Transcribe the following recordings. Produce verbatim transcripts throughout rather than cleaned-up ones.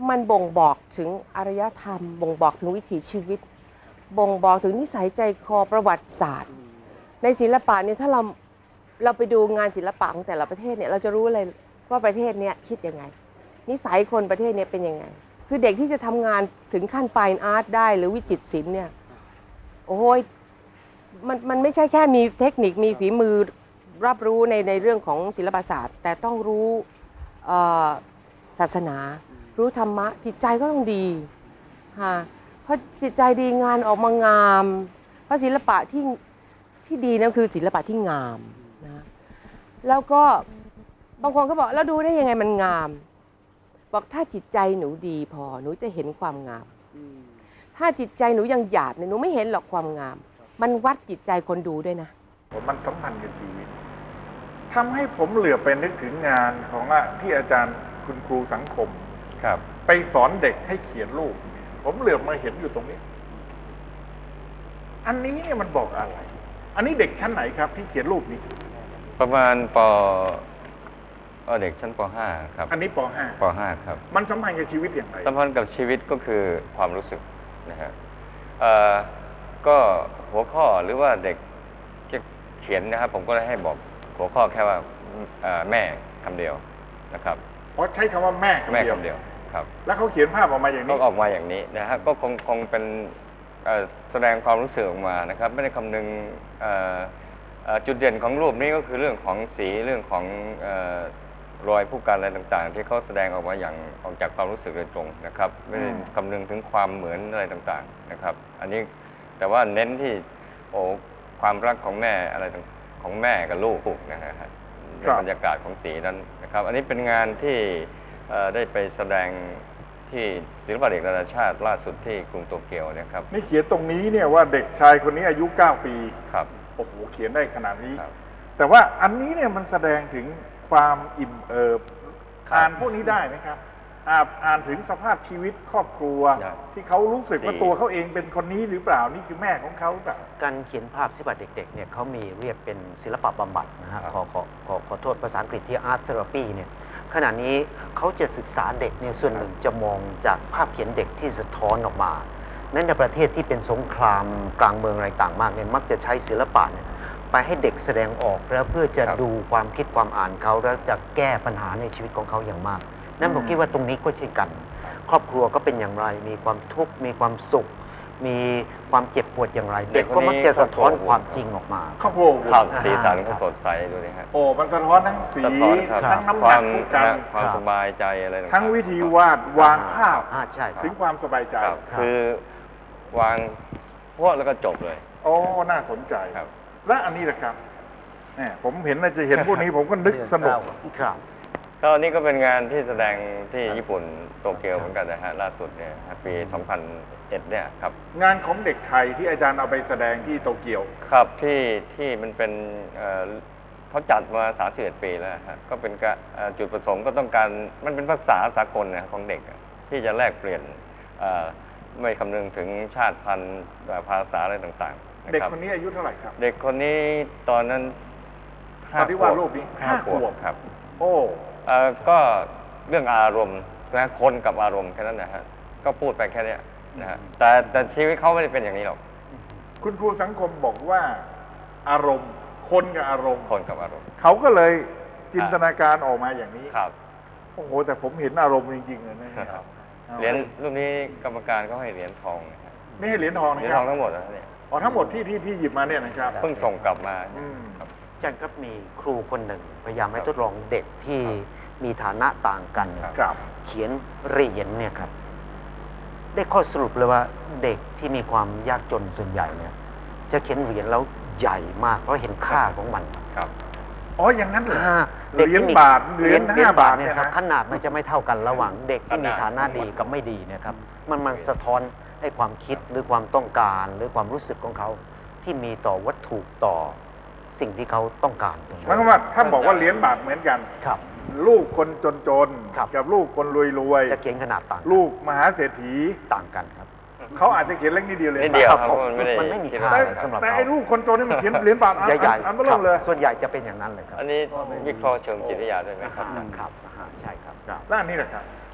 มันบ่งบอกถึงอารยธรรมบ่งบอกถึงวิถีชีวิตบ่งบอกถึงนิสัยใจคอประวัติศาสตร์ในศิลปะเนี่ยถ้าเราเราไปดูงานศิลปะของแต่ละประเทศเนี่ยเราจะรู้เลยว่าประเทศเนี้ยคิดยังไงนิสัยคนประเทศนี้เป็นยังไงคือเด็กที่จะทำงานถึงขั้นไฟน์อาร์ตได้หรือวิจิตรศิลป์เนี่ยโอ้ยมันมันไม่ใช่แค่มีเทคนิคมีฝีมือรับรู้ในในเรื่องของศิลปศาสตร์แต่ต้องรู้ศาสนารู้ธรรมะจิตใจก็ต้องดีค่ะเพราะจิตใจดีงานออกมางามเพราะศิลปะที่ที่ดีนั่นคือศิลปะที่งามนะแล้วก็บางคนก็บอกแล้วดูได้ยังไงมันงามบอกถ้าจิตใจหนูดีพอหนูจะเห็นความงามถ้าจิตใจหนูยังหยาบเนี่ยหนูไม่เห็นหรอกความงามมันวัดจิตใจคนดูด้วยนะมันสัมพันธ์กับชีวิตทำให้ผมเหลือไปนึกถึงงานของที่อาจารย์คุณครูสังคมครับไปสอนเด็กให้เขียนรูปผมเหลือมาเห็นอยู่ตรงนี้อันนี้เนี่ยมันบอกอะไรอันนี้เด็กชั้นไหนครับที่เขียนรูปนี้ประมาณปเด็กชั้นป .ห้า ครับอันนี้ป .ห้าป .ห้า ครับมันสัมพันธ์กับชีวิตอย่างไรสัมพันธ์กับชีวิตก็คือความรู้สึกนะฮะก็หัวข้อหรือว่าเด็กจะเขียนนะครับผมก็เลยให้บอกหัวข้อแค่ว่าแม่คำเดียวนะครับเพราะใช้คำว่าแม่แม่คำเดียวครับแล้วเขาเขียนภาพออกมาอย่างนี้ก็ออกมาอย่างนี้นะฮะก็คงคงเป็นแสดงความรู้สึกออกมานะครับไม่ได้คำนึงจุดเด่นของรูปนี้ก็คือเรื่องของสีเรื่องของรอยผู้กันอะไรต่างๆที่เขาแสดงออกมาอย่างออกจากความรู้สึกโดยตรงนะครับไม่ได้คำนึงถึงความเหมือนอะไรต่างๆนะครับอันนี้แต่ว่าเน้นที่โอ้ความรักของแม่อะไรของแม่กับลูกนะฮะบรรยากาศของสีนั้นนะครับอันนี้เป็นงานที่ได้ไปแสดงที่ศิลปะเด็กนานาชาติล่าสุดที่กรุงโตเกียวนะครับนี่เขียนตรงนี้เนี่ยว่าเด็กชายคนนี้อายุเก้าปีครับโอ้โหเขียนได้ขนาดนี้แต่ว่าอันนี้เนี่ยมันแสดงถึงความอิ่มเอิบอ่านพวกนี้ได้ไหมครับอ่านถึงสภาพชีวิตครอบครัวที่เขารู้สึกว่าตัวเขาเองเป็นคนนี้หรือเปล่านี่คือแม่ของเขาหรือเปล่าการเขียนภาพศิลปะเด็กๆเนี่ยเขามีเรียกเป็นศิลปะบำบัดนะฮะขอขอขอขอโทษภาษาอังกฤษที่ art therapy เนี่ยขณะนี้เขาจะศึกษาเด็กเนี่ยส่วนหนึ่งจะมองจากภาพเขียนเด็กที่สะท้อนออกมาในประเทศที่เป็นสงครามกลางเมืองอะไรต่างมากเนี่ยมักจะใช้ศิลปะเนี่ยไปให้เด็กแสดงออกแล้วเพื่อจะดูความคิดความอ่านเขาแล้วจะแก้ปัญหาในชีวิตของเขาอย่างมากนั่นผมคิดว่าตรงนี้ก็เช่นกันครอบครัวก็เป็นอย่างไรมีความทุกข์มีความสุขมีความเจ็บปวดอย่างไรเด็กก็มักจะสะท้อนความจริงออกมาครอบครัวครับสีสันก็สดใสดูดิครับโอ้มันสะท้อนทั้งสีทั้งน้ำหนักผู้กันความสบายใจอะไรทั้งวิธีวาดวางภาพถึงความสบายใจคือวางพวกแล้วก็จบเลยโอ้น่าสนใจครับและอันนี้แหละครับเนี่ยผมเห็นนะจะเห็นพวกนี้ผมก็นึกสนุกครับก็นี่ก็เป็นงานที่แสดงที่ญี่ปุ่นโตเกียวเหมือนกันนะฮะล่าสุดเนี่ยปีสองพันเอ็ดเนี่ยครับงานของเด็กไทยที่อาจารย์เอาไปแสดงที่โตเกียวครับที่ที่มันเป็นเขาจัดมาสามสิบเอ็ดปีแล้วฮะก็เป็นจุดประสงค์ก็ต้องการมันเป็นภาษาสากลนะของเด็กที่จะแลกเปลี่ยนไม่คำนึงถึงชาติพันธุ์ภาษาอะไรต่างๆเด็กคนนี้อายุเท่าไหร่ครับเด็กคนนี้ตอนนั้นตอนที่วาดรูปนี้ห้าขวบครับโอ้ก็เรื่องอารมณ์นะคนกับอารมณ์แค่นั้นนะฮะก็พูดไปแค่นี้นะฮะแต่แต่ชีวิตเขาไม่ได้เป็นอย่างนี้หรอกคุณครูสังคมบอกว่าอารมณ์คนกับอารมณ์คนกับอารมณ์เขาก็เลยจินตนาการออกมาอย่างนี้ครับโอ้โหแต่ผมเห็นอารมณ์จริงๆเลยนะครับเหรียญรูปนี้กรรมการเขาให้เหรียญทองไม่ให้เหรียญทองนะเหรียญทองทั้งหมดนะเนี่ยอ๋อทั้งหมดที่ที่พี่หยิบมาเนี่ยนะครับเพิ่งส่งกลับมาครับอาจารย์ครับมีครูคนหนึ่งพยายามให้ทดลองเด็กที่มีฐานะต่างกันเขียนเหรียญเนี่ยครับได้ข้อสรุปเลยว่าเด็กที่มีความยากจนส่วนใหญ่เนี่ยจะเขียนเหรียญแล้วใหญ่มากเพราะเห็นค่าของมันครับอ๋ออย่างนั้นเหรอเหรียญบาทเหรียญห้าบาทเนี่ยครับขนาดมันจะไม่เท่ากันระหว่างเด็กที่มีฐานะดีกับไม่ดีนะครับมันมันสะท้อนให้ความคิดหรือความต้องการหรือความรู้สึกของเขาที่มีต่อวัตถุต่อสิ่งที่เขาต้องการตรงนี้หมายความว่าถ้าบอกว่าเหรียญบาทเหมือนกันครับลูกคนจนๆกับลูกคนรวยๆจะเขียนขนาดต่างลูกมหาเศรษฐีต่างกันครับเขาอาจจะเขียนเล็กนิดเดียวเลยนิดเดียวครับมันไม่มีค่าสำหรับเขาแต่ไอ้ลูกคนจนนี่มันเขียนเหรียญบาทใหญ่ๆอันเบลอเลยส่วนใหญ่จะเป็นอย่างนั้นเลยครับอันนี้วิเคราะห์เชิงจิตวิทยาด้วยไหมครับครับใช่ครับแล้วอันนี้แหละครับ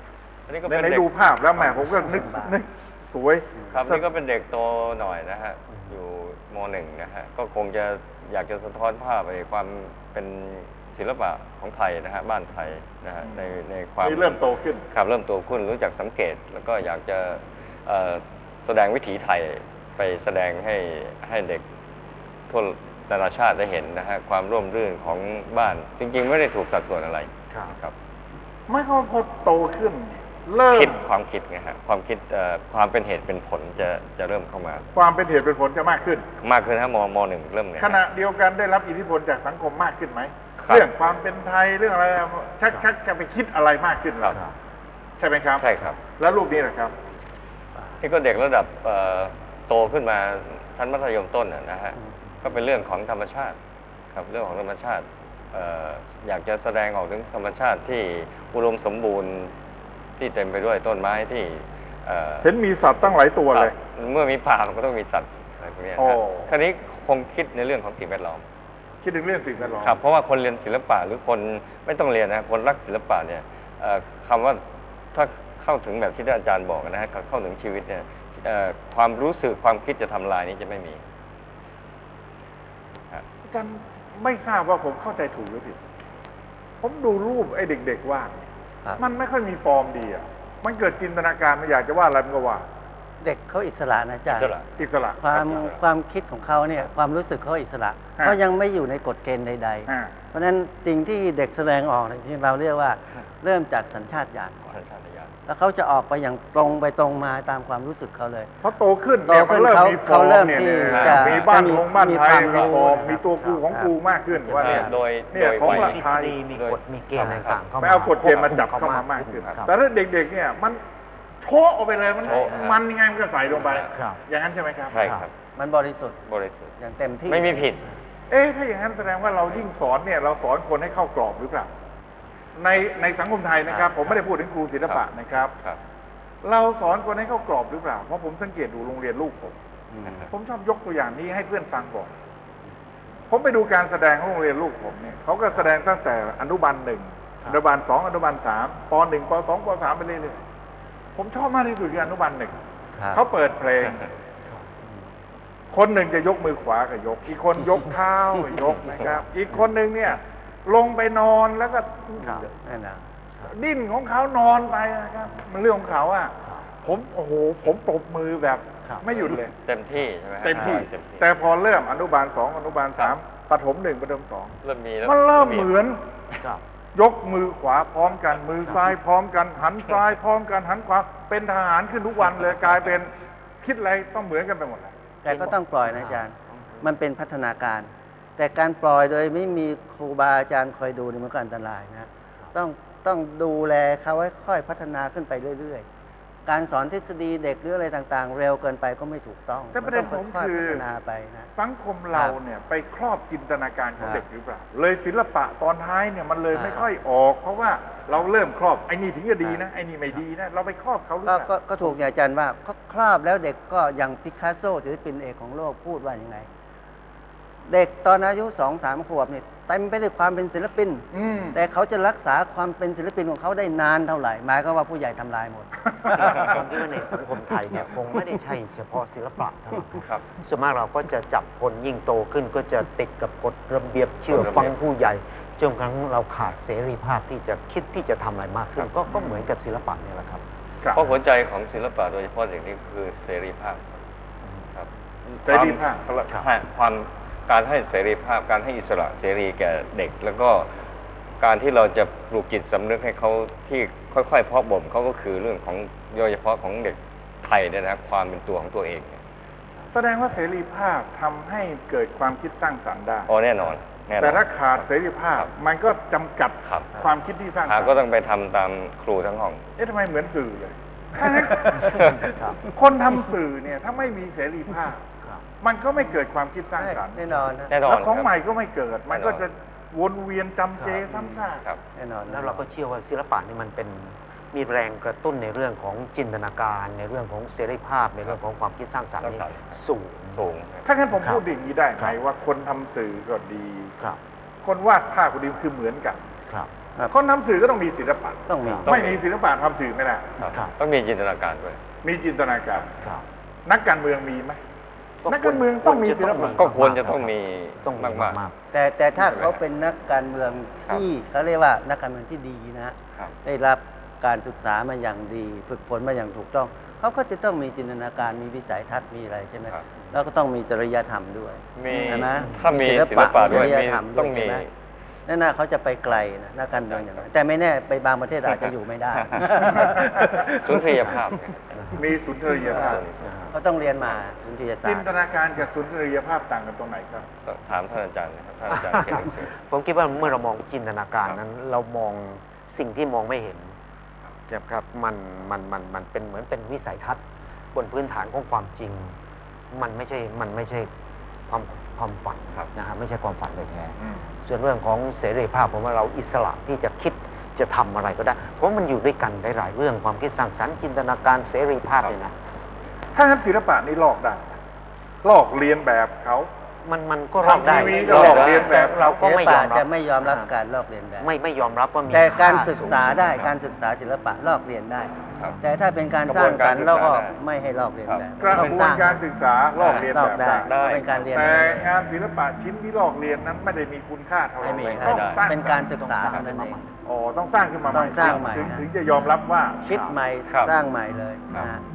อันนี้ก็ในเป็นในเด็กดูภาพแล้วแหมผมก็นึกนึกสวยครับนี่ก็เป็นเด็กโตหน่อยนะฮะอยู่มหนึ่งนะฮะก็คงจะอยากจะสะท้อนภาพไอ้ความเป็นศิลปะของไทยนะฮะบ้านไทยนะฮะในในความนี่เริ่มโตขึ้นครับเริ่มโตขึ้นรู้จักสังเกต แล้วก็อยากจะเอ่อแสดงวิถีไทยไปแสดงให้ให้เด็กทั่วนานาชาติได้เห็นนะฮะความร่วมรื่นของบ้าน จริง ๆ ไม่ได้ถูกสัดส่วนอะไรครับครับไม่เขาพอโตขึ้น เริ่มคิดความคิดไงฮะความคิดเอ่อความเป็นเหตุเป็นผลจะจะเริ่มเข้ามาความเป็นเหตุเป็นผลจะมากขึ้นมากขึ้นฮะมมหนึ่งเริ่มเนี่ยขณะเดียวกันได้รับอิทธิพลจากสังคมมากขึ้นไหมครับเรื่องความเป็นไทยเรื่องอะไรชักชักจะไปคิดอะไรมากขึ้นครับใช่ไหมครับใช่ครับแล้วรูปนี้นะครับนี่ก็เด็กระดับเอ่อโตขึ้นมาชั้นมัธยมต้นน่ะนะฮะก็เป็นเรื่องของธรรมชาติครับเรื่องของธรรมชาติเอ่ออยากจะแสดงออกถึงธรรมชาติที่อุดมสมบูรณ์ที่เต็มไปด้วยต้นไม้ที่เอ่อเห็นมีสัตว์ตั้งหลายตัวเลยครับเมื่อมีป่ามันก็ต้องมีสัตว์อะไรพวกเนี้ยโอ้ครับคราวนี้คงคิดในเรื่องของสิ่งแวดล้อมคิดถึงเรื่องสิ่งแวดล้อมครับเพราะว่าคนเรียนศิลปะหรือคนไม่ต้องเรียนนะคนรักศิลปะเนี่ยเอ่อคำว่าถ้าเข้าถึงแบบที่อาจารย์บอกนะฮะเข้าถึงชีวิตเนี่ยเอ่อความรู้สึกความคิดจะทำลายนี้จะไม่มีอาจารย์ไม่ทราบว่าผมเข้าใจถูกหรือผิด ผมดูรูปไอ้เด็กๆวาดครับมันไม่ค่อยมีฟอร์มดีอ่ะ มันเกิดจินตนาการมันอยากจะวาดอะไรมันก็วาดเด็กเขาอิสระนะอาจารย์อิสระอิสระความอิสระความคิดของเขาเนี่ยความรู้สึกเขาอิสระฮะเขายังไม่อยู่ในกฎเกณฑ์ใดอ่าๆ เพราะฉะนั้นสิ่งที่เด็กแสดงออกเนี่ยที่เราเรียกว่าเริ่มจากสัญชาตญาณก่อนสัญชาตญาณแล้วเขาจะออกไปอย่างตรงไปตรงมาตามความรู้สึกเขาเลยเพราะโตขึ้นโตเนี่ยขึ้มันนเริ่มเขามีฟอเขาร์มเริ่มเนี่ยที่เนี่ยจะมีบ้านมีของบ้านมีไทยความมีรู้ฟอร์มนะครับมีตัวกูของกูมากขึ้นว่าเนี่ยโดยเนี่ยโดยของวัยหลักทฤไทษยฎีมีกฎมีเกณฑ์ต่างๆเข้ามาไม่เอากฎเกณฑ์มาจับเข้ามามากขึ้นครับแต่ถ้าเด็กๆเนี่ยมันโชว์ออกไปเลยมันโชว์มันยังไงมันก็ใส่ลงไปครับอย่างนั้นใช่ไหมครับใช่ครับมันบริสุทธิ์บริสุทธิ์อย่างเต็มที่ไม่มีผิดเอ๊ะถ้าอย่างนั้นแสดงว่าเรายิ่งสอนเนี่ยเราสอนคนให้เข้ากรอบหรือเปล่าในในสังคมไทยนะครับ ผมไม่ได้พูดถึงครูศิลปะนะครับครับเราสอนคนให้เข้ากรอบหรือเปล่าเพราะผมสังเกตดูโรงเรียนลูกผมอืมผมชอบยกตัวอย่างนี้ให้เพื่อนฟังก่อน ผมไปดูการแสดงของโรงเรียนลูกผมเนี่ยเขาก็แสดงตั้งแต่อนุบาลหนึ่งอนุบาลสองอนุบาลสามปหนึ่งปสองปสามไปเรื่อยๆผมชอบมากที่สุดคืออนุบาลหนึ่งครับเขาเปิดเพลง คนหนึ่งจะยกมือขวาก็ยก อีกคนยกเท้าก็ยกนะครับ อีกคนหนึ่งเนี่ย ลงไปนอนแล้วก็นั่นนะดิ้นของเขานอนไปนะครับ มันเรื่องของเขาอ่ะ ผมโอ้โหผมปรบมือแบบครับไม่หยุดเลยเต็มที่ใช่ไหมฮะเต็มที่เต็มที่แต่พอเริ่มอนุบาลสองอนุบาลสามประถมหนึ่งประถมสองเริ่มมีแล้วมันเริ่มเหมือนครับยกมือขวาพร้อมกัน มือซ้ายพร้อมกัน หันซ้ายพร้อมกันหันขวาเป็นทหารขึ้นทุกวันเลยกลายเป็นคิดอะไรต้องเหมือนกันไปหมดเลยแต่ก็ต้องปล่อยนะอาจารย์ มันเป็นพัฒนาการ แต่การปล่อยโดยไม่มีครูบาอาจารย์คอยดูนี่มันก็อันตรายนะ ต้องต้องดูแลเขาให้ค่อยพัฒนาขึ้นไปเรื่อยๆ การสอนทฤษฎีเด็กหรืออะไรต่างๆ เร็วเกินไปก็ไม่ถูกต้องแต่ประเด็นต้ผองมค่อยคือๆพัฒนาไปนะสังคมเราเนี่ยไปครอบจินตนาการของเด็กหรือเปล่า เลยศิลปะตอนท้ายเนี่ยมันเลยไม่ค่อยออก เพราะว่าเราเริ่มครอบไอ้นี่ถึงจะดีนะไอ้นี่ไม่ดีนะเราไปครอบเขาหรือก็เปก็ล่าก็ถูกอย่างอาจารย์ว่าเขาครอบแล้วเด็กก็อย่างปิกัสโซศิลปินเอกของโลกพูดว่าอย่างไง เด็กตอนอายุสองสามขวบเนี่ยเต็มไปด้วยความเป็นศิลปินอืมแต่เขาจะรักษาความเป็นศิลปินของเขาได้นานเท่าไหร่หมายก็ว่าผู้ใหญ่ทำลายหมดผมคิดว่าในสังคมไทยเนี่ยคงไม่ได้ใช่เฉพาะศิลปะเท่านั้นครับส่วนมากเราก็จะจับคนยิ่งโตขึ้นก็จะติดกับกฎระเบียบเชื่อกฎระเบียบฟังผู้ใหญ่จนกระทั่งเราขาดเสรีภาพที่จะคิดที่จะทำอะไรมากขึ้น ก็ก็เหมือนกับศิลปะเนี่ยแหละครับครับเพราะหัวใจของศิลปะโดยเฉพาะอย่างนี้คือเสรีภาพครับเสรีภาพความให้ความการให้เสรีภาพการให้อิสระเสรีแก่เด็ก แล้วก็การที่เราจะปลูกจิตสำนึกให้เขาที่ค่อยๆเพาะบ่มเขาก็คือเรื่องของโดยเฉพาะของเด็กไทยเนี่ยนะความเป็นตัวของตัวเองแสดงว่าเสรีภาพทำให้เกิดความคิดสร้างสรรค์ได้อ๋อแน่นอนแน่นอนแต่ถ้าขาดเสรีภาพ มันก็จำกัดครับความคิดที่สร้างสรหารค์ก็ต้องไปทำตามครูทั้งห้องเอ๊ะทำไมเหมือนสื่อเลยครับคนทำสื่อเนี่ยถ้าไม่มีเสรีภาพครับมันก็ไม่เกิดความคิดสร้างสรรค์แน่นอนนะแน่นอนแล้วของครับใหม่ก็ไม่เกิด มันก็แน่นอนจะวนเวียนจำเจซ้ำซากครับแน่นอนแล้วเราก็เชื่อว่าศิลปะนี่มันเป็นมีแรงกระตุ้นในเรื่องของจินตนาการ ในเรื่องของเสรีภาพในเรื่องของความคิดสร้างสรรค์นี่สร้างสรรค์สูงสูงถ้างั้นผมครับพูดอย่างนี้ได้ไหมครับว่าคนทำสื่อก็ดีครับคนวาดภาพก็ดีคือเหมือนกันครับครับคนทำสื่อก็ต้องมีศิลปะต้องมีไม่มีศิลปะทำสื่อไม่ได้ครับครับต้องมีจินตนาการด้วยมีจินตนาการครับนักการเมืองมีไหมนักการเมืองต้องมีศิลปะก็ควรจะต้องมีต้องมีมากมากแต่แต่ถ้าเขาเป็นนักการเมืองที่เขาเรียกว่านักการเมืองที่ดีนะฮะๆครับได้รับการศึกษามาอย่างดี ฝึกฝนมาอย่างถูกต้อง เขาก็จะต้องมีจินตนาการมีวิสัยทัศน์มีอะไรใช่ไหมครับแล้วก็ต้องมีจริยธรรมด้วยมีใช่ไหมถ้ามีศิลปะด้วยจริมีธรรมต้องมีใช่ไหนั่นน่ะเขาจะไปไกลนะนักการเมืองอย่างนั้นแต่ไม่แน่ไปบางประเทศอาจจะอยู่ไม่ได้สุนทรียภาพเนี่ยมีสุนทรียภาพเขาต้องเรียนมาสุนทรียศาสจิตนร์ตนาการกับสุนทรียภาพต่างกันตรงไหนครับถามท่านอาจารย์นะครับท่านอาจารย์เขียนหนังสือผมคิดว่าเมื่อเรามองจินตนาการครับนั้นเรามองสิ่งที่มองไม่เห็นนะครับมันมันมันมันเป็นเหมือนเป็นวิสัยทัศน์บนพื้นฐานของความจริง มันไม่ใช่มันไม่ใช่ความความฝันครับนะฮะไม่ใช่ความฝันโดยแท้อืมส่วนเรื่องของเสรีภาพผมว่าเราอิสระที่จะคิดจะทำอะไรก็ได้ เพราะมันอยู่ด้วยกันได้หลายเรื่องความคิดสร้างสรรค์จินตนาการเสรีภาพเนี่ยนะถ้างั้นศิลปะนี่ลอกได้ลอกเลียนแบบเขามันมันก็รับได้ทำทีวีก็หลอกเลียนแบบต่เราก็ศิลไม่ยปะอมรับจะไม่ยอมรับการลอกเลียนแบบไม่ไม่ยอมรับว่ามีแต่การค่ศึกษาได้สูงการศึกษาศิลปะลอกเลียนได้ครับแต่ถ้าเป็นการสร้างสรรค์กระบวนการแล้วก็ศึกษาได้ไม่ให้ลอกเลียนแบบกระต้องบวสนร้างการศึกษาลอกเลียนลอแบกบได้ได้เป็นการเรียนแต่แบบงานศิลปะชิ้นที่ลอกเลียนนั้นไม่ได้มีคุณค่าเท่าไหร่ไม่มีต้องไม่ได้สร้างเป็นการศึกษาเท่านั้นเองอ๋อต้องสร้างขึ้นมาใหต้ม่องสร้างใหม่ถึงนะถึงจะยอมรับว่าคิดใหม่ครับสร้างใหม่เลยครับนะฮะ